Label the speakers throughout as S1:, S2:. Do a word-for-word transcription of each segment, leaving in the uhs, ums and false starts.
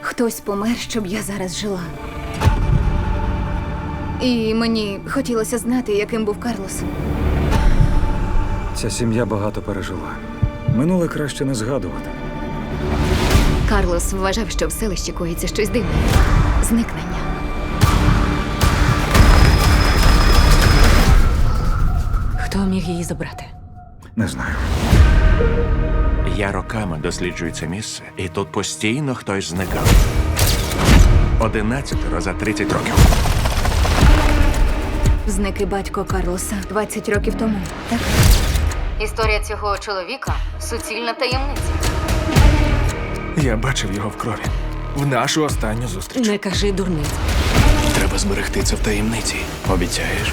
S1: Хтось помер, щоб я зараз жила. І мені хотілося знати, яким був Карлос.
S2: Ця сім'я багато пережила. Минуле краще не згадувати.
S1: Карлос вважав, що в селищі коїться щось дивне. Зникнення.
S3: Хто міг її забрати?
S2: Не знаю.
S4: Я роками досліджую це місце, і тут постійно хтось зникав. Одинадцятеро за тридцять років.
S1: Зник і батько Карлоса двадцять років тому, так?
S5: Історія цього чоловіка – суцільна таємниця.
S6: Я бачив його в крові. В нашу останню зустріч.
S3: Не кажи дурниць.
S6: Треба зберегти це в таємниці. Обіцяєш?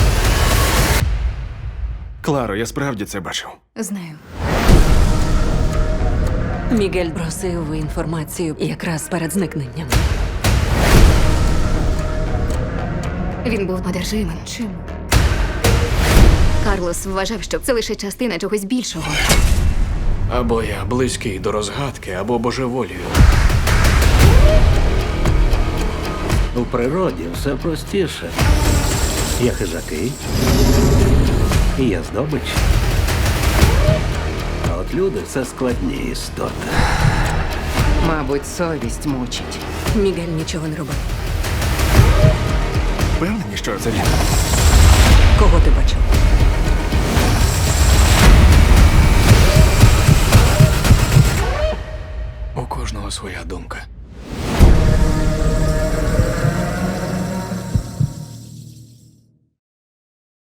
S6: Кларо, я справді це бачив.
S1: Знаю.
S3: Мігель просив інформацію якраз перед зникненням.
S1: Він був одержимим. Чим? Карлос вважав, що це лише частина чогось більшого.
S6: Або я близький до розгадки, або божеволію.
S7: У природі все простіше. Є хижаки, і є здобич. А от люди – це складні істоти.
S8: Мабуть, совість мучить.
S3: Мігель нічого не робив.
S6: Впевнені, що це він?
S3: Кого ти бачив?